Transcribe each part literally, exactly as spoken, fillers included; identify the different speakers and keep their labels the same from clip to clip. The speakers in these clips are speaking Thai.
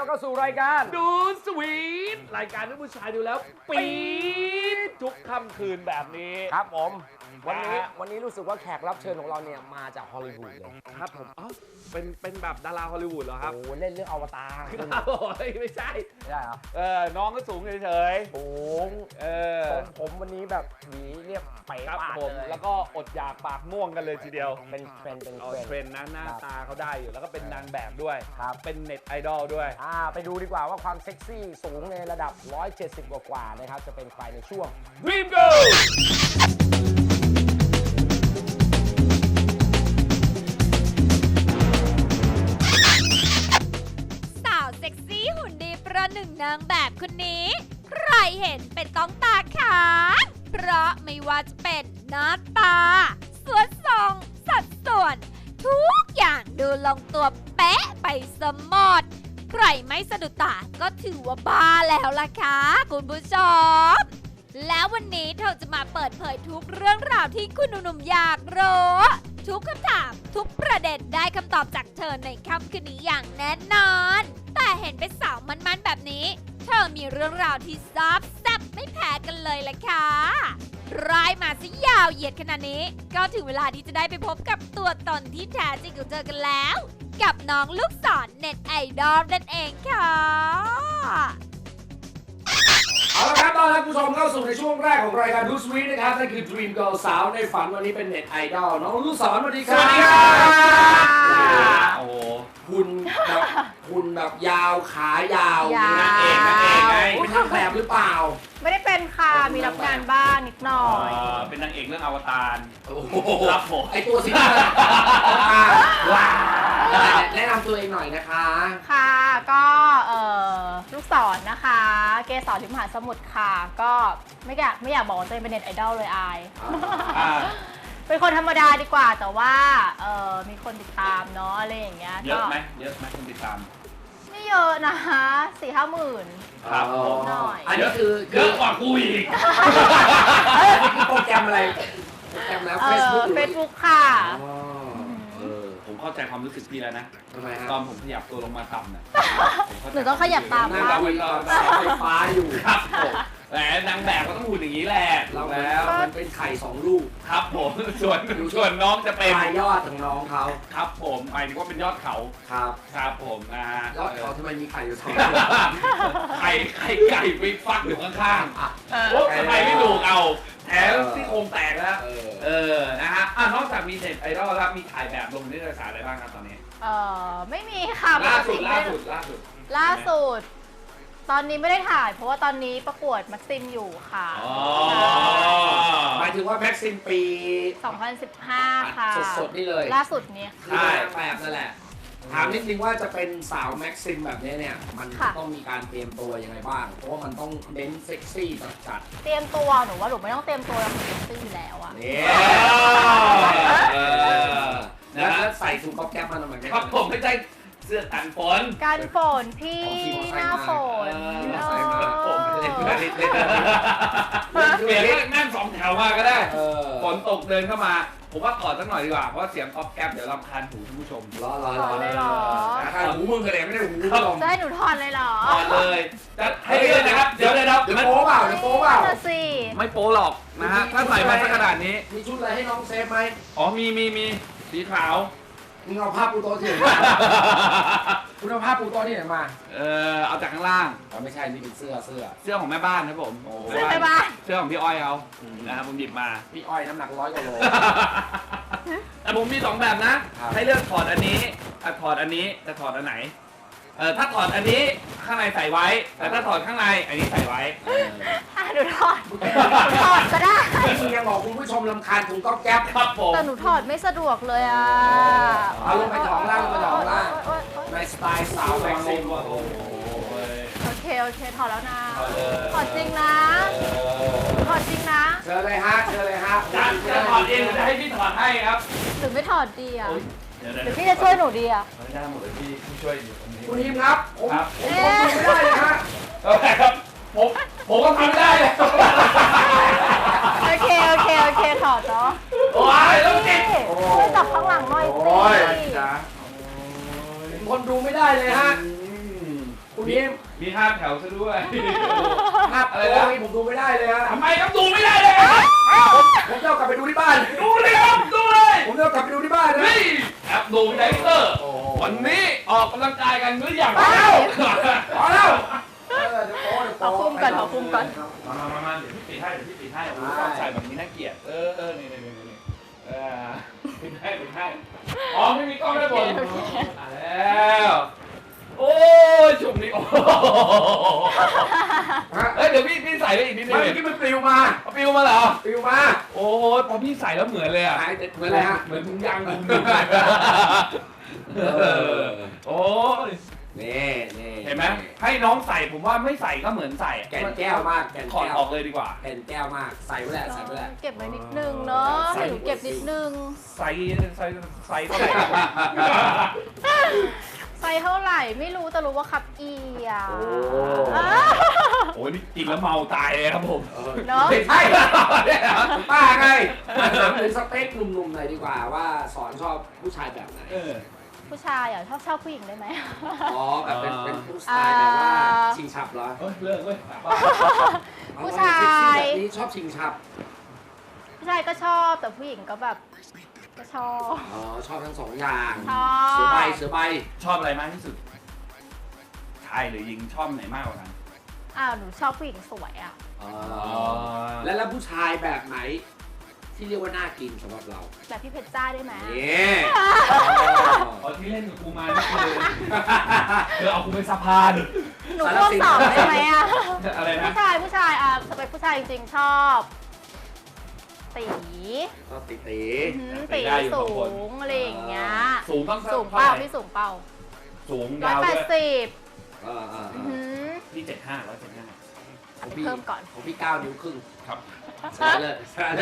Speaker 1: เข้าสู่รายการ
Speaker 2: ดูสวีทรายการที่ผู้ชายดูแล้วปี๊ดทุกค่ำคืนแบบนี้
Speaker 1: ครับผมวันนี้วันนี้รู้สึกว่าแขกรับเชิญของเราเนี่ยมาจากฮอลลีวูดเลย
Speaker 2: ครับผมอ๋อเป็นเป็นแบบดาราฮอลลีวูดเหรอครับ
Speaker 1: โอ้เล่นเรื่องอวตาร
Speaker 2: โอ้ยไม่ใช่
Speaker 1: ไม่ได้เหรอ
Speaker 2: เออน้องก็สูงเฉย
Speaker 1: ๆสูง
Speaker 2: เออ
Speaker 1: ผมวันนี้แบบหวีเรียบไป
Speaker 2: ครับ
Speaker 1: ปาก
Speaker 2: ผม
Speaker 1: เลย
Speaker 2: แล้วก็อดอยากปากม่วงกันเลยทีเดียว
Speaker 1: เป็นเทรนเป็น
Speaker 2: เทรนนะหน้าตาเขาได้อยู่แล้วก็เป็นนางแบบด้วยเป็นเน็ตไอดอลด้วย
Speaker 1: อ่าไปดูดีกว่าว่าความเซ็กซี่สูงในระดับหนึ่งร้อยเจ็ดสิบกว่าๆนะครับจะเป็นใครในช่วง
Speaker 2: Dream Girl
Speaker 3: สาวเซ็กซี่หุ่นดีประหนึ่งนางแบบคนนี้ ใครเห็นเป็นต้องตาค้างเพราะไม่ว่าจะเป็นหน้าตาสวนทรงสัดส่วน ทุกอย่างดูลงตัวเป๊ะไปสมดใครไม่สะดุดตาก็ถือว่าบ้าแล้วล่ะค่ะคุณผู้ชมแล้ววันนี้เธอจะมาเปิดเผยทุกเรื่องราวที่คุณหนุ่มๆอยากรู้ทุกคำถามทุกประเด็นได้คำตอบจากเธอในค่ำคืนนี้อย่างแน่นอนแต่เห็นเป็นสาวมันๆแบบนี้เธอมีเรื่องราวที่ซับแซ่บไม่แพ้กันเลยล่ะค่ะรายมาซะยาวเหยียดขนาดนี้ก็ถึงเวลาที่จะได้ไปพบกับตัวตนที่แท้จริงของเธอกันแล้วกับน้องลูกศรเน็ตไอดอลนั่นเองค่ะ
Speaker 1: เอาละครับตอนรับผู้ชมเข้าสู่ในช่วงแรกของรายการดูสวีทนะครับนั่นคือ Dream Girl สาวในฝันวันนี้เป็นเน็ตไอดอลน้องลูกศรสวัสดีครับ
Speaker 2: สวัสดีครับโอ้
Speaker 1: คุณแบบคุณแบบยาวขายาวย
Speaker 4: าว
Speaker 1: นางเอกนางเอกไงเป็นนางแบบหรือเปล่า
Speaker 4: ไม่ได้เป็นค่ะ มีรับงานบ้างนิดหน่อย
Speaker 2: เป็นนางเอกเรื่องอวตาร
Speaker 1: โอ้โห
Speaker 2: ครับผม
Speaker 1: ไอตัวสีว้าวแนะนำตัวเองหน่อยนะคะ
Speaker 4: ค่ะ ก็เอ่อลูกศรนะคะ เกสรทิมหาสมุทรค่ะ ก็ไม่อยากไม่อยากบอกว่าตัวเองเป็นเน็ตไอดอลเลยอาย
Speaker 2: อ่า
Speaker 4: เป็นคนธรรมดาดีกว่า แต่ว่าเอ่อมีคนติดตามเนาะอะไรอย่างเงี้ย
Speaker 2: เยอะไหมเยอะไหมคนติดตาม
Speaker 4: ไม่เยอะนะคะสี่ห้าหมื่น
Speaker 2: ครับผม
Speaker 4: หน่อย
Speaker 1: อันนี้คือ
Speaker 2: เยอะกว่ากูอีก
Speaker 1: โปรแกรมอะไรโปรแกรมแล้ว
Speaker 4: เอ
Speaker 1: เฟซ
Speaker 4: อ
Speaker 1: บุ๊ก
Speaker 4: เฟซบุ๊กค่ะ
Speaker 1: เออ
Speaker 2: ผมเข้าใจความรู้สึกพี่แล้วนะ
Speaker 1: ทำไมฮะ
Speaker 2: ตอนผมขยับตัวลงมาต่ำน่ะ
Speaker 4: หนูต้องขยับตาม
Speaker 1: หน้าตาเป็นเสาไฟฟ้าอยู่
Speaker 2: ครับผมแหมนางแบบก็ต้องหุ่นอย่างนี้แหละ
Speaker 1: เรา
Speaker 2: แล้ว
Speaker 1: มันเป็นไข่สองลูก
Speaker 2: ครับผมส่วนส่วนน้องจะเป็น
Speaker 1: ปลายยอดของน้องเขา
Speaker 2: ครับผมหมายถึงว่าเป็นยอดเขา
Speaker 1: ครับ
Speaker 2: ครับผมนะฮะ
Speaker 1: ยอดเขาทำไมมีไข่อยู่สอง
Speaker 2: ไข่ไข่ไก่ไปฟักอยู่ข้าง
Speaker 1: อ่ะ
Speaker 2: ๆโอ้ทำไมไม่ดูเอาแถมซี่โครงแตกแล้ว
Speaker 1: เออ
Speaker 2: เออนะฮะอ่ะนอกจากมีเน็ตไอดอลแล้วมีถ่ายแบบลงนิตยสารอะไรบ้างครับตอนนี้
Speaker 4: เออไม่มีค่ะ
Speaker 2: ล่าสุด
Speaker 4: ปกติ
Speaker 2: ล่า
Speaker 4: ไม่
Speaker 2: สุดล่าสุด
Speaker 4: ล่าสุด ตอนนี้ไม่ได้ถ่าย เพราะว่าตอนนี้ประกวดมักซิมอยู่ค่ะ
Speaker 2: อ๋อ
Speaker 1: หมายถึงว่าแม็กซิมปี
Speaker 4: สองพันสิบห้า ค่ะ
Speaker 1: สดๆนี่เลย
Speaker 4: ล่าสุดนี้
Speaker 1: คือนางแบบนั่นแหละ ถามนิดนึงว่าจะเป็นสาวแม็กซิมแบบนี้เนี่ย มัน
Speaker 4: ค่ะ
Speaker 1: ต้องมีการเตรียมตัวยังไงบ้าง เพราะว่ามันต้องเน้นเซ็กซี่จัด
Speaker 4: เตรียมตัวหนูว่าหนูไม่ต้องเตรียมตัวแล้วหนูเซ็กซี่อยู่แล้วอะ
Speaker 1: ๆนี่
Speaker 2: เออ
Speaker 1: แล้ว
Speaker 2: นะฮะ
Speaker 1: แล้วใส่ถุงก๊อบแก๊ปมาทำไม
Speaker 2: ครับผมไม่ใช่เสื้อกันฝน
Speaker 4: การฝนพี่
Speaker 1: ของพี่
Speaker 4: หน้าฝน
Speaker 1: เออ
Speaker 4: เออ
Speaker 2: ผมเล่นเล่นเล่นเปลี่ยนให้นั่งสองแถวมาก็ได้
Speaker 1: เออ
Speaker 2: ฝนตกเดินเข้ามา ผมว่าถอดสักหน่อยดีกว่า เพราะว่าเสียงก๊อบแก๊บเดี๋ยวรำคาญหูท่านผู้ชม
Speaker 1: รอรอ
Speaker 4: ถอดเลยเหรอ
Speaker 1: ใครหูมึงกันเลยไม่ได้หูมึงลง
Speaker 4: จะให้หนูถอดเลยเหรอ
Speaker 2: ถอดเลยจะให้เลือกนะครับ เดี๋ยวเดี๋ยวเดี๋ยว
Speaker 1: เดี๋ยว
Speaker 2: มัน
Speaker 1: โป๊เปล่าเดี๋ยวโป๊เปล่า
Speaker 4: นั่นน่ะสิ
Speaker 2: ไม่โป๊หรอกนะฮะ ถ้าใส่มาสักขนาดนี้
Speaker 1: มีชุดอะไรให้น้องเซฟไหม
Speaker 2: อ๋อ มีมีมีสีขาว
Speaker 1: มึงเอาผ้าปูโต๊ะที่ไหนมา คุณเอาผ้าปูโต๊ะที่ไหนมา
Speaker 2: เออเอาจากข้างล่าง
Speaker 1: อ๋อไม่ใช่ นี่เป็นเสื้อเสื้อ
Speaker 2: เสื้อของแม่บ้านครับผม
Speaker 1: โอ้
Speaker 4: เสื้อไปบ้าน
Speaker 2: เสื้อของพี่อ้อยเขานะครับผมหยิบมา
Speaker 1: พี่อ้อยน้ำหนักร้อยกว่าโล
Speaker 2: แต่ผมมีสองแบบนะ
Speaker 1: ครับ
Speaker 2: ให้เลือกถอดอันนี้อ่ะถอดอันนี้จะถอดอันไหน เออถ้าถอดอันนี้ข้างในใส่ไว้ แต่ถ้าถอดข้างในอันนี้ใส่ไว้
Speaker 4: อ่ะหนูถอดหนูถอดก็ได้
Speaker 1: มึงยังบอกคุณผู้ชมรำคาญถุงก๊อบแก๊ป
Speaker 2: ครับผม
Speaker 4: แต่หนูถอดไม่สะดวกเลยอ่ะ
Speaker 1: เอาลงไปถอดข้างล่างลงไปถอดข้างล่าง
Speaker 4: โอ๊ยโอ๊ยโอ๊ย
Speaker 1: ในสไตล์สาวแม็กซิม
Speaker 2: โอ้โห
Speaker 4: โอเคโอเคถอดแล้วนะ
Speaker 2: ถอดเลย
Speaker 4: ถอดจริงนะถอดจริงนะ
Speaker 1: เชิญเลยฮะเชิญเลยฮะ
Speaker 2: จะจะถอดเองหรือจะให้พี่ถอดให้ครับ
Speaker 4: หรือไม่ถอดดีอ่ะ
Speaker 2: โอ๊ยเดี๋ยว
Speaker 4: หรือพี่จะช่วยหนูดีอ่ะ
Speaker 2: ไม่ได้หมดเลยพี่พี่ช่วยอยู่ตรงนี้
Speaker 1: คุณทีมครับ ผม
Speaker 2: ครับ
Speaker 1: ผมทนดูไม่ได้เลยฮะ
Speaker 2: โอเคครับผมผมก็ทำไม่ได้เลย
Speaker 4: โอเคโอเคโอเคถอดเนาะ
Speaker 2: โอ้ยต้องจิต
Speaker 4: ช่วยจับข้างหลังหน่อยสิ
Speaker 1: โอ้ยจ้าผมทนดูไม่ได้เลยฮะ คุณรงนี้
Speaker 2: มีห้าแถวซะด้วย
Speaker 1: ภาพอะไรนะผมดูไม่ได้เลยฮะ
Speaker 2: ทำไมครับดูไม่ได้เลยครับ
Speaker 1: ผมผมจะเอากลับไปดูที่บ้าน
Speaker 2: ดูเลยครับดูเลย
Speaker 1: ผมจะเอากลับไปดูที่บ้านนะ
Speaker 2: นี่แอปดูไดเตอร์
Speaker 1: โอ้โห
Speaker 2: วันนี้ออกกำลังกายกันหรือยัง
Speaker 1: พอแล้วพอแล้วเออเดี๋ยวโป๊ะเดี๋ยว
Speaker 4: เอา
Speaker 1: โป๊ะ
Speaker 4: คุมก่อนเอาคุมก่อน
Speaker 2: มามามามาเดี๋ยวพี่ปิดให้เดี๋ยวพี่ปิดให้โอ้โหต้องใส่แบบนี้น่าเกลียดเออเออนี่นี่นี่นี่เออปิดให้ปิดให้อ๋อไม่มีกล้องได้บนมาแล้วโอ้ยช่วงนี้โอ้
Speaker 1: ฮะ
Speaker 2: เอ้ยเดี๋ยวพี่พี่ใส่ไปอีกนิดนึ
Speaker 1: ไม่
Speaker 2: ง
Speaker 1: เมื่อกี้มันปลิวมา
Speaker 2: เอาปิวมาเหรอ
Speaker 1: ปลิวมา
Speaker 2: โอ้โหพอพี่ใส่แล้วเหมือนเลยอ่ะ
Speaker 1: หายเหมือนอะไรฮะ
Speaker 2: เหมือนถุงยางถุงหนึ่งเออโอ้ย
Speaker 1: นี่นี่
Speaker 2: เห็นไหมให้น้องใส่ผมว่าไม่ใส่ก็เหมือนใส่อะ
Speaker 1: แก่นแก้วมากแก่น
Speaker 2: ถอด
Speaker 1: แก้ว
Speaker 2: ออกเลยดีกว่า
Speaker 1: แก่นแก้วมากใส่ไว้แหละใส่ไว้แหละ
Speaker 4: เก็บไว้นิดนึงเนาะให้หนูเก็บนิดนึง
Speaker 2: ใส่ใส่ใส่เท่าไหร่
Speaker 4: ไซส์เท่าไหร่ไม่รู้แต่รู้ว่าคับเอียว
Speaker 1: โอ้
Speaker 4: อ้า
Speaker 2: โอ้ยนี่กินแล้วเมาตายเลยครับผม
Speaker 1: เออ
Speaker 4: เนาะ
Speaker 1: ไม่ใช่ป้าไงมาถามถึงสเปคหนุ่มๆหน่อยดีกว่าว่าสอนชอบผู้ชายแบบไหน
Speaker 2: เออ
Speaker 4: ผู้ชายอ่ะชอบชอบผู้หญิงได้ไหม
Speaker 1: อ๋อแบบเป็นเป็นผู้ชายแบบว่า
Speaker 4: อ่า
Speaker 1: ชิงฉับเหรอ
Speaker 2: เฮ้ยเลิกเว้ย
Speaker 4: ผู้ชาย
Speaker 1: เซ็กซี่แบบนี้ชอบชิงฉับ
Speaker 4: ผู้ชายก็ชอบแต่ผู้หญิงก็แบบก็ชอบ
Speaker 1: อ๋อชอบทั้งสองอย่าง
Speaker 4: ชอบ
Speaker 1: เสือใบเสือใบ
Speaker 2: ชอบอะไรมากที่สุดชายหรือหญิงชอบไหนมากกว่ากัน
Speaker 4: อ้าวหนูชอบผู้หญิงสวยอ่ะ
Speaker 1: อ๋อแล้วแล้วผู้ชายแบบไหน ที่เรียกว่าน่ากินสำหรับเรา
Speaker 4: แบบพี่เพชรจ้าได้ไหม
Speaker 1: เนี่ย
Speaker 2: ตอนที่เล่นกับกูมานี่คือเธอเอากูเป็นสะพาน
Speaker 4: หนูร่วมสอบได้ไหมอ่ะ
Speaker 2: อะไรนะ
Speaker 4: ผู้ชายผู้ชายอ่ะสเปคผู้ชายจริงๆชอบตี
Speaker 1: ชอบติตี
Speaker 4: อื้อหือตีสูงอะไรอย่างเงี้ย
Speaker 2: สูงต้อง
Speaker 4: สูง
Speaker 2: เท่า
Speaker 4: เป้า
Speaker 2: ไหร่
Speaker 4: พี่สูงเป้า
Speaker 2: สูง
Speaker 4: ร้อย
Speaker 2: ยาว
Speaker 4: แป
Speaker 2: ด้
Speaker 4: ด
Speaker 2: วย
Speaker 4: สิบ
Speaker 1: เออเออเอ
Speaker 4: อื้อ
Speaker 1: อ
Speaker 4: หือ
Speaker 2: พี่เจ็ดห้าร้อยเจ็ดห้า
Speaker 4: อันนี้เพิ่มก่อน
Speaker 1: ของพี่เก้านิ้วครึ่ง
Speaker 2: ครับ
Speaker 1: ชนะเลยชนะเลย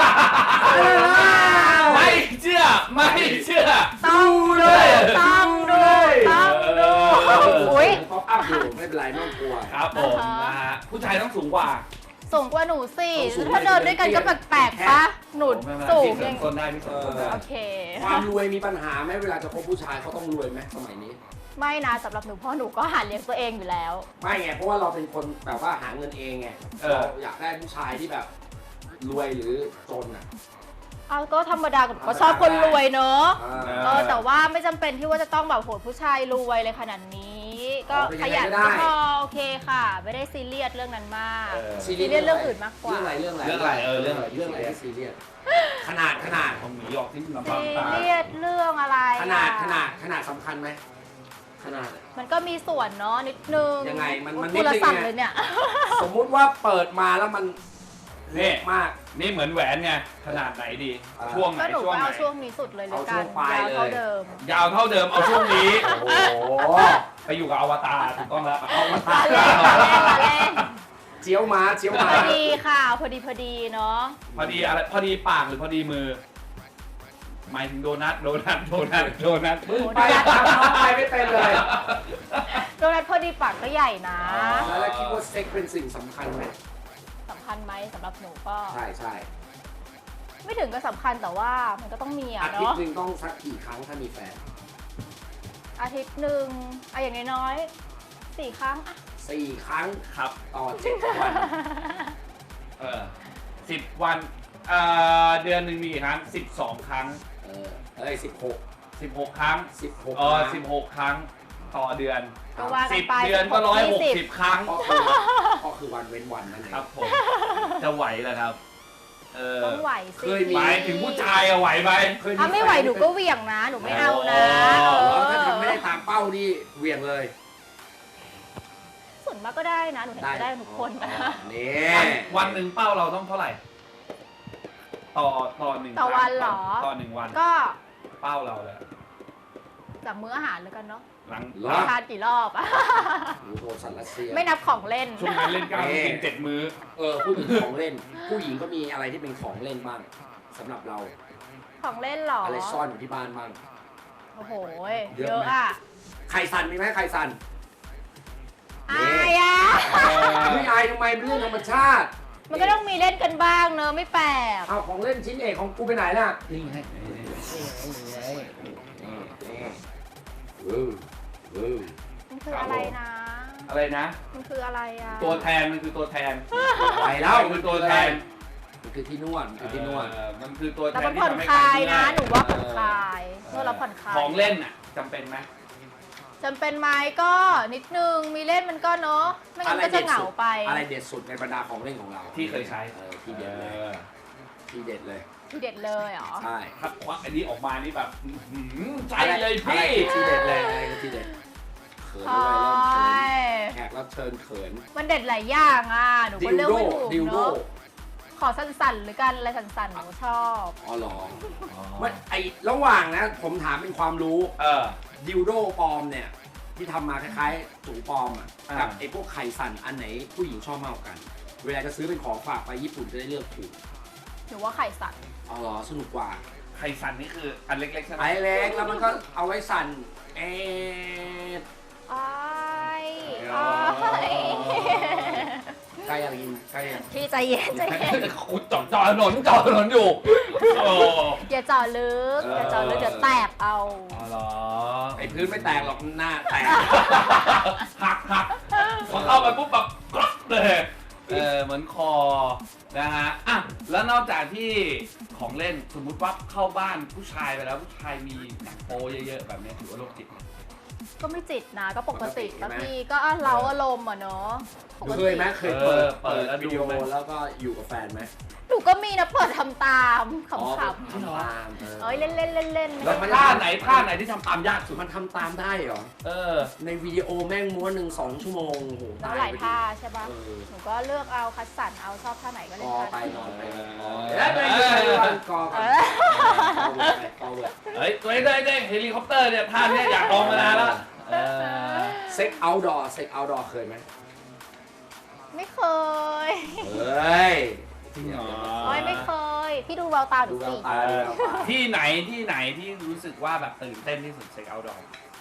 Speaker 2: ไม่เชื่อไม่เชื่อ
Speaker 4: ต้องดูต้องดูต้องดูอุ้ย
Speaker 1: ป๊อปอัพอยู่ไม่เป็นไรไม่ต้องกลัว
Speaker 2: ครับผมนะฮะผู้ชายต้องสูงกว่า
Speaker 4: สูงกว่าหนูสิ
Speaker 1: ต้องสูง
Speaker 4: ถ้าเดินด้วยกันก็แปลกๆปะหนู
Speaker 2: ไม่เป็นไร
Speaker 4: สูง
Speaker 2: พี่เสริ
Speaker 4: ยั
Speaker 2: ม
Speaker 4: ง
Speaker 2: ต้นได้พี่เสริมต้นได้
Speaker 4: โอเค
Speaker 1: ความรวยมีปัญหาไหมเวลาจะคบผู้ชายเขาต้องรวยไหมสมัยนี้
Speaker 4: ไม่นะสำหรับหนูเพราะหนูก็หาเลี้ยงตัวเองอยู่แล้ว
Speaker 1: ไม่ไงเพราะว่าเราเป็นคนแบบว่าหาเงินเองไงเราอยากได้ผู้ชายที่แบบรวยหรือจนอ่ะ
Speaker 4: เอาก็ธรรมดากับก็ชอบคนรวยเนอะ
Speaker 1: อ่า
Speaker 4: เออแต่ว่าไม่จำเป็นที่ว่าจะต้องแบบโหดผู้ชายรวยเลยขนาดนี้ ก็
Speaker 1: อ๋อเป็น
Speaker 4: ข
Speaker 1: ยังไง
Speaker 4: ยัน
Speaker 1: ก็ได้
Speaker 4: ก็พอโอเคค่ะ ไม่ได้ซีเรียสเรื่องนั้นมาก
Speaker 2: เออ
Speaker 1: ซี
Speaker 4: ซีเรียสเรื่องอื่นมากกว่า
Speaker 1: เรื่องอะไรเรื่องอะไร
Speaker 2: เรื่องอะไรเออเรื่องอะไร
Speaker 1: เรื่องอะไรที่ซีเรียสขนาดขนาด
Speaker 2: ของหมีออกที่ลำ
Speaker 4: ซี
Speaker 2: บากตา
Speaker 4: เรียสเรื่องอะไร
Speaker 1: ขนาด
Speaker 4: อะ
Speaker 1: ขนาดขนาดสำคัญไหมขนาด
Speaker 4: มันก็มีส่วนเนาะนิดนึง
Speaker 1: ยังไงมันมัน
Speaker 4: พูดละ
Speaker 1: นิดนึง
Speaker 4: สั่น
Speaker 1: ไง
Speaker 4: เลยเนี่ย
Speaker 1: สมมุติว่าเปิดมาแล้วมันเล็
Speaker 2: นี่
Speaker 1: กมาก
Speaker 2: นี่เหมือนแหวนไงขนาดไหนดี
Speaker 1: อ่า
Speaker 2: ช่วงไหน
Speaker 4: ก็หนู
Speaker 2: ช่วง
Speaker 4: ก็
Speaker 2: ไหน
Speaker 4: เอาช่วงนี้สุดเลยเลยกั
Speaker 1: เอาช่
Speaker 4: น
Speaker 1: วงปลาย
Speaker 4: ยาวเท่า
Speaker 1: เลย
Speaker 4: เดิม
Speaker 2: ยาวเท่าเดิมเอาช่วงนี้
Speaker 1: โอ้โห
Speaker 2: ไปอยู่กับอวตารถูกต้องแล้วเอา
Speaker 1: มา
Speaker 4: ละ
Speaker 1: ตา
Speaker 4: เล่นละเล่นละเล่น
Speaker 1: เจียวมาเจียว
Speaker 4: พ
Speaker 1: มา
Speaker 4: อดีค่ะ พอดีพอดีเนาะ
Speaker 2: พอดีอะไรพอดีปากหรือพอดีมือ หมายถึงโดนัทโดนัทโดนัทโดนัท
Speaker 1: มึงไปทำน้องไปไม่เป็นเลย
Speaker 4: โดนัทพอดีปากก็ใหญ่นะ
Speaker 1: แล้วคิดว่าเซ็กเป็นสิ่งสำคัญไหม
Speaker 4: สำคัญไหมสำหรับหนูก็
Speaker 1: ใช่ใช่
Speaker 4: ไม่ถึงก็สำคัญแต่ว่ามันก็ต้องมี
Speaker 1: อา
Speaker 4: อะ
Speaker 1: ทิต
Speaker 4: เนาะ
Speaker 1: ย์หนึ่งต้องสักกี่ครั้งถ้ามีแฟน
Speaker 4: อาทิตย์หนึ่งอะอย่างน้อยๆสี่ครั้งอะ
Speaker 1: สี่ครั้ง
Speaker 2: ครับ
Speaker 1: ต่อเจ็ดวัน
Speaker 2: เออสิบวันเอ่อเดือนหนึ่งมีกี่ครั้งสิบสองครั้ง
Speaker 1: เออเอ้ยสิบหก
Speaker 2: สิบหกครั้ง
Speaker 1: สิบหก
Speaker 2: เออสิบหกครั้งต่อเดือน
Speaker 4: ก็ว่ากั
Speaker 2: สิ
Speaker 4: น
Speaker 2: บ
Speaker 4: ไป
Speaker 2: เดือนก็ร้อยหก
Speaker 4: ยี่
Speaker 2: สิบครั้ง
Speaker 1: ก็คือก็คือวันเว้นวันนั่นเอง
Speaker 2: ครับผม จะไหวเหรอครับ เออ
Speaker 4: ต้องไหวสิ
Speaker 1: เคยมี
Speaker 2: หมายถึงผู้ชายอะไหวไหม
Speaker 1: เคย
Speaker 4: ถ้าไม่ไหวหนูก็เหวี่ยงนะ หนูไม่เอานะ
Speaker 2: อ๋อ
Speaker 4: เอ
Speaker 1: แล้ว
Speaker 4: อ
Speaker 1: ถ้าทำไม่ได้ตามเป้านี่เหวี่ยงเลย
Speaker 4: ส่วนมากก็ได้นะ หนูเห็นก็ได้ทุกคนนะ
Speaker 1: นี่
Speaker 2: วันวันหนึ่งเป้าเราต้องเท่าไหร่ ต่อต่อหนึ่ง
Speaker 4: ต่อวันเหรอ
Speaker 2: ต่อหนึ่งวัน
Speaker 4: ก็
Speaker 2: เป้าเราเลย
Speaker 4: จากมื้ออาหารแล้วกันเนาะ
Speaker 2: หลัง
Speaker 1: เหรอ
Speaker 4: ทานกี่รอบอะ
Speaker 1: หนูโดนสันรัสเซีย
Speaker 4: ไม่นับของเล่น
Speaker 2: ช่วงนั้นเล่นก้าวต้องกินเจ็ดมื้อ
Speaker 1: เออพูดถึงของเล่น ผู้หญิงก็มีอะไรที่เป็นของเล่นบ้างสำหรับเรา
Speaker 4: ของเล่นเหรอ
Speaker 1: อะไรซ่อนอยู่ที่บ้านบ้าง
Speaker 4: โอ้โห
Speaker 1: เยอะ
Speaker 4: เยอะ
Speaker 1: ไหม
Speaker 4: อะ
Speaker 1: ไข่สันมีไหมไข่สัน
Speaker 4: อายอะ
Speaker 1: ไม่อายทำไมเป็นเรื่องธรรมชาติ
Speaker 4: มันก็ต้องมีเล่นกันบ้างเนอะไม่แปลก
Speaker 1: เอาของเล่นชิ้นเอกของกูไปไหนล่ะนี่ไงนี่ไงนี่นี่เออเออ
Speaker 4: มันคืออะไรนะ
Speaker 2: อะไรนะ
Speaker 4: มันคืออะไรอ่ะ
Speaker 2: ตัวแทนมันคือตัวแทน
Speaker 1: ไปแล้ว
Speaker 2: มันคือตัวแทน
Speaker 1: มันคือที่นวดมันคือที่นวด
Speaker 2: เออมันคือตัวแท
Speaker 4: แต่
Speaker 2: น
Speaker 4: มัน
Speaker 2: ที่
Speaker 4: ผ่อน
Speaker 2: ทำให้
Speaker 4: คลาย
Speaker 2: เมื่
Speaker 4: นะ
Speaker 2: อย
Speaker 4: หนูว่าผ่อนคลายนวดแล้วผ่อนคลาย
Speaker 2: ของเล่นอ่ะจำเป็นไหม
Speaker 4: จำเป็นไหมก็นิดนึงมีเล่นมันก็เนาะไม่งั้นก็จะเหงาไป
Speaker 1: อะไรเด็ดสุดในบรรดาของเล่นของเรา
Speaker 2: ที่เคยใช้
Speaker 1: เออที่เด็ดเลยที่เด็ดเลย
Speaker 4: ทีเด็ดเลยเหรอ
Speaker 1: ใช่
Speaker 2: ถ้าควักอันนี้ออกมานี่แบบอื้อหือใจ
Speaker 1: อะไร
Speaker 2: เลย
Speaker 1: อะไร
Speaker 2: พี่
Speaker 1: คือที่เด็ดเลยอะไรคือที่เด็ดเขิน
Speaker 4: ใช่
Speaker 1: ด้วยเริ่มเขินแขกรับเชิญเขิน
Speaker 4: มันเด็ดหลายอย่างอ่ะหนู
Speaker 1: ดิ
Speaker 4: ก็
Speaker 1: ว
Speaker 4: เลือก
Speaker 1: โด
Speaker 4: ไม่ถูก
Speaker 1: ดิวโด
Speaker 4: เนาะขอสั้นๆหรือกันอะไรสั้นๆหนูชอบ
Speaker 1: อ๋อเหรอมันไอระหว่างนะผมถามเป็นความรู้
Speaker 2: เออ
Speaker 1: ดิวโดปลอมเนี่ยที่ทำมาคล้ายๆถุงปลอมอ่ะ
Speaker 2: อ่า
Speaker 1: กับไอพวกไข่สั่นอันไหนผู้หญิงชอบมากกว่ากัน เวลาจะซื้อเป็นของฝากไปญี่ปุ่นจะได้เลือกถูก
Speaker 4: หนูว่าไข่สัตว์
Speaker 1: อ๋อเหรอสนุกกว่า
Speaker 2: ไข่สันนี่คืออันเล็กๆใช่ไหม
Speaker 1: ไอเล็กแล้วมันก็เอาไว้สั่นเอ๊ะ
Speaker 4: อ้าย
Speaker 1: อ๋อ
Speaker 4: อ้าย
Speaker 1: ใกล้ยังกินใกล้ยัง
Speaker 4: พี่ใจเย็นใจเย็น
Speaker 2: คุณจอดจอดถนนจอดถนนอยู่โอ้
Speaker 4: อย่าเจาะลึกอย่าเจาะลึกเดี๋ยวแตกเอา
Speaker 2: อ๋อเหรอ
Speaker 1: ไอพื้นไม่แตกหรอกหน้าแตก
Speaker 2: หักหักพอเข้าไปปุ๊บแบบกรอบเลยเออเหมือนคอนะฮะอ่ะแล้วนอกจากที่ของเล่นสมมุติว่าเข้าบ้านผู้ชายไปแล้วผู้ชายมีหนังโปเยอะๆแบบนี้ถือว่าโรคจิตไหม
Speaker 4: ก็ไม่จิตนะก็ปกติปะพี่ก็อ่ะเราอารมณ์อ่ะเนาะปก
Speaker 1: เค
Speaker 4: ติ
Speaker 1: ยไหมเคยเปิด
Speaker 2: เออเปิ
Speaker 1: เปิ
Speaker 2: ด
Speaker 1: ด
Speaker 2: แล้วดู
Speaker 1: วิดีโอ
Speaker 2: ไหม
Speaker 1: แล้วก็อยู่กับแฟนไหม
Speaker 4: หนูก็มีนะเปิดทำตามข
Speaker 1: อ๋อ
Speaker 4: ำ
Speaker 1: ทำตาม
Speaker 4: ๆเอ้ยเล่นเล่นเล่นเล่น
Speaker 2: แล้วท่าไหนท่าไหนที่ทำตามยากสุด
Speaker 1: มันทำตามได้เหรอ
Speaker 2: เออ
Speaker 1: ในวิดีโอแม่งม้วนหนึ่งสองชั่วโมงโอ้โห
Speaker 4: แล้ว
Speaker 1: ตาย
Speaker 4: หลาย
Speaker 1: ไปดิ
Speaker 4: ท่าใช่ปะ
Speaker 1: เออ
Speaker 4: หนูก็เลือกเอาคัดสรรเอาชอบท่าไหนก็เล่
Speaker 1: ก
Speaker 4: น
Speaker 1: อ
Speaker 4: ท่า
Speaker 1: ไป
Speaker 4: นั้น
Speaker 1: นอนไป
Speaker 2: เออ
Speaker 1: เอ้ยไม่ใช่วันกอ
Speaker 4: เอ
Speaker 1: กัน
Speaker 4: อ
Speaker 1: กอเวิร์ด
Speaker 2: เฮ้ยตัวเองตัวเองตัวเองเฮลิคอปเตอร์เนี่ยท่าเนี้ยอยากลองมานานแล้วเออ
Speaker 1: เซ็กเอาท์ดอร์เซ็กเอาท์ดอร์เคยไหม
Speaker 4: ไม่เคย
Speaker 1: เฮ้ย
Speaker 2: จริงเหรอ
Speaker 4: โอ้ยไม่เคย พี่ดูแววตาหนู
Speaker 1: ดูแว
Speaker 4: สิ
Speaker 1: วตาดูแววตา
Speaker 2: ที่ไหนที่ไหนที่รู้สึกว่าแบบตื่นเต้นที่สุดเช็คเอาท์ดอร์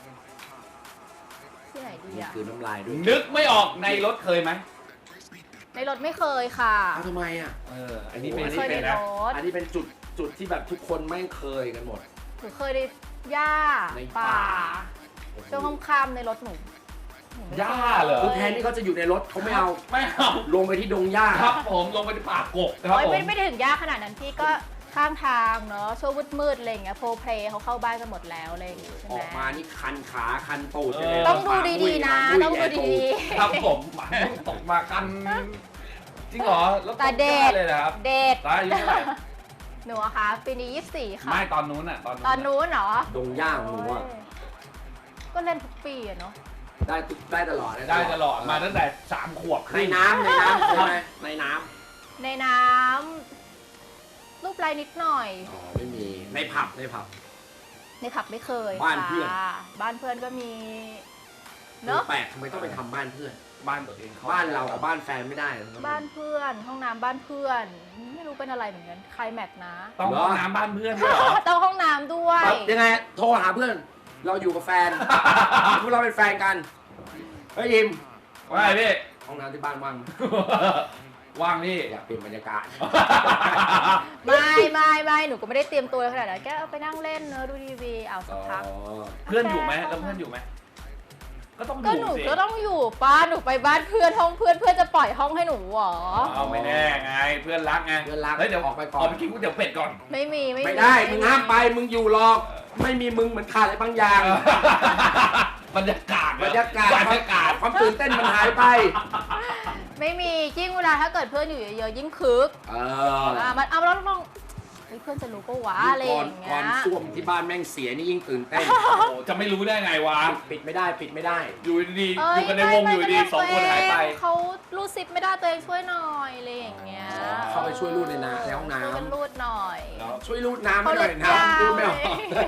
Speaker 4: ที่ไหนดี
Speaker 1: นี่
Speaker 4: อะ
Speaker 1: คือน้ำลายด้วย
Speaker 2: นึกไม่ออกในรถเคยไหม
Speaker 4: ในรถไม่เคยค่ะ
Speaker 1: เอาทำไมอ่ะ
Speaker 2: เอออันนี้เป็น
Speaker 4: ไม่
Speaker 2: นี่
Speaker 4: เคยใน
Speaker 2: เป็น
Speaker 4: ร
Speaker 2: นะ
Speaker 4: ถ
Speaker 1: อันนี้เป็นจุดจุดที่แบบทุกคนไม่งเคยกันหมด
Speaker 4: หนูเคยในหญ้า
Speaker 1: ใน
Speaker 4: ป่า
Speaker 1: ป่า
Speaker 4: ช่วงค่ำๆในรถหนูหนูไม่
Speaker 2: หญ้าเหรอ
Speaker 1: คือแทนที่เขาจะอยู่ในรถเขาไม่เอา
Speaker 2: ไม่เอา
Speaker 1: ลงไปที่ดงหญ้า
Speaker 2: ครับผมลงไปที่ป่ากกครับ
Speaker 4: โอ้ย
Speaker 2: ผม
Speaker 4: ไม่ไม่ได้ถึงหญ้าขนาดนั้นพี่ก็ข้างทางเนาะช่วงมืดๆอะไรอย่างเงี้ยโพเพลเขาเข้าบ้านกันหมดแล้วอะไรอย่างเงี้ยใช่
Speaker 1: อ
Speaker 4: ไหม
Speaker 1: อกมานี่คันขาคันตูด
Speaker 2: เออ
Speaker 1: ไปเลย
Speaker 4: ต้องดูดีๆนะ
Speaker 1: หมา
Speaker 4: ต้อง
Speaker 1: มุ้ย
Speaker 4: ดูดี
Speaker 2: ครับผมหมายตกมากันจริงเหรอแล้ว
Speaker 4: ๆแต่เด็ด
Speaker 2: เลยนะครับ
Speaker 4: เด็ด
Speaker 2: ตายอายุเท่าไหร่
Speaker 4: หนูอะคะปีนี้ยี่สิบสี่ค่ะ
Speaker 2: ไม่ตอนนู้นอ่ะตอน
Speaker 4: ตอนนู้นเหรอ
Speaker 1: ดงหญ้าของหนูอะ
Speaker 4: โอ้ยก็เล่นทุกปีอะเนาะ
Speaker 1: ได้ได้ตลอด
Speaker 2: ได้ตลอดมาตั้งแต่สามขวบ
Speaker 1: ในน้ำในน้ำใช่ไหมในน้
Speaker 4: ในน้ำรูปลายนิดหน่อย
Speaker 1: ำอ๋อไม่มีในผับในผับ
Speaker 4: ในผับไม่เคย
Speaker 1: บ้านเพื่อน
Speaker 4: ค่ะบ้านเพื่อนก็มีเนอะ
Speaker 1: แปลกทำไมต้องไปทำบ้านเพื่อน
Speaker 2: บ้านตัวเองเขา
Speaker 1: บ้านเรากับบ้านแฟนไม่ได้เหรอ
Speaker 4: บ้านเพื่อนห้องน้ำบ้านเพื่อน ไม่รู้เป็นอะไรเหมือนกันใครแม็กนะ
Speaker 2: ต้อง
Speaker 1: เหรอ
Speaker 2: ห้องน้ำบ้านเพื่อนด้วยเหรอ
Speaker 4: ต้องห้องน้ำด้วย
Speaker 1: ปั๊บยังไงโทรหาเพื่อน เราอยู่กับแฟน พวกเราเป็นแฟนกันเฮ้ยยิม
Speaker 2: ว่าไงพี่
Speaker 1: ห้องน้ำที่บ้านว่างไหม
Speaker 2: ว่างพี่
Speaker 1: อยากเปลี่ยนบรรยากาศ
Speaker 4: ไม่ไม่ไม่หนูก็ไม่ได้เตรียมตัวขนาดนั้นแค่เอาไปนั่งเล่นเนอะดูทีวีเอาสักพัก
Speaker 2: เพื่อนอยู่ไหมแล้วเพื่อนอยู่ไหมก็ต้องอ
Speaker 4: ก็
Speaker 2: ยู่
Speaker 4: หนู
Speaker 2: สิ
Speaker 4: ก็ต้องอยู่ป้าหนูไปบ้านเพื่อนห้องเพื่อนเพื่อนจะปล่อยห้องให้หนูเหรอ
Speaker 2: เอาไม่แน่ไงเพื่อนรักไง
Speaker 1: เพื่อนรัก
Speaker 2: เฮ้ยเดี๋ยว
Speaker 1: ออกไปก่อน
Speaker 2: ออกไปกินก๋วยเตี๋ยวเป็ดก่อน
Speaker 4: ไม่มีไม่มี
Speaker 1: ไม่ได้มึงห้ามไปมึงอยู่หรอก ไม่มีมึงเหมือนขาดอะไรบางอย่าง
Speaker 2: บรรยากาศ
Speaker 1: บรรยากาศ
Speaker 2: บรรยากาศ
Speaker 1: ความตื่นเต้นมันหายไป
Speaker 4: ไม่มียิ่งเวลาถ้าเกิดเพื่อนอยู่เยอะๆยิ่งคึก
Speaker 1: เออ
Speaker 4: อ่ามันเอาแล้วลองเฮ้ยเพื่อนจะรู้ปะวะอะไรอ
Speaker 1: ก่อน
Speaker 4: ย่างเงี้
Speaker 1: ก่อย นส้วมที่บ้านแม่งเสียนี่ยิ่งตื่นเต้น
Speaker 2: โอ้โหจะไม่รู้ได้ไงวะ
Speaker 1: ปิดไม่ได้ปิดไม่ได้
Speaker 2: อยู่ดีๆ
Speaker 4: เอ้
Speaker 2: อยู่กันในวงอยู่ดีๆสองคนหายไป
Speaker 4: เขารูดซิปไม่ได้ตัวเองช่วยหน่อยอะไรอย่างเงี้ย
Speaker 1: เข้าไปช่วยรูดในน้ำในห้องน้ำ
Speaker 4: ช่วยกันรูดหน่อย
Speaker 2: แล้ว
Speaker 1: ช่วยรูดน้ำให้หน่อยน้ำรูดไม่ออก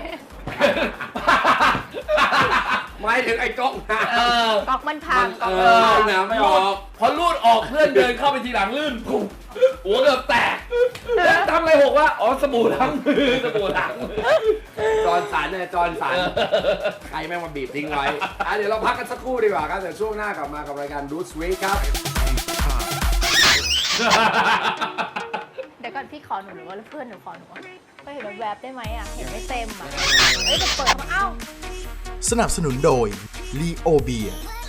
Speaker 1: หมายถึงไอ้ก๊อกน้
Speaker 2: เออ
Speaker 4: ก๊อกมันพั
Speaker 1: ำ
Speaker 4: ง
Speaker 1: มัน
Speaker 4: ก๊
Speaker 1: เอ
Speaker 4: อกมันพัง
Speaker 1: อน้ำไม่ออก
Speaker 2: พอรูดออกเพื่อนเดินเข้าไปทีหลังลื่นปุ๊บหัวเกือบแตกแล้วทำอะไรหกวะอ๋อสบู่ล้างมือสบู่ล้างมือ
Speaker 1: จอนสันเนี่ยจอนสันใครแม่งมาบีบทิ้งไว้อ่ะเดี๋ยวเราพักกันสักครู่ดีกว่าครับเดี๋ยวช่วงหน้ากลับมากับรายการดูสวีทครับ
Speaker 4: เดี๋ยวก่อนพี่ขอหนูหรือว่าเพื่อนหนูขอหนูอะก็เห็นแวบๆได้ไหมอ่ะเห็นไม่เต็มอ่ะเอ้ยจะเปิดมาเอ้า
Speaker 5: สนับสนุนโดย ลีโอเบีย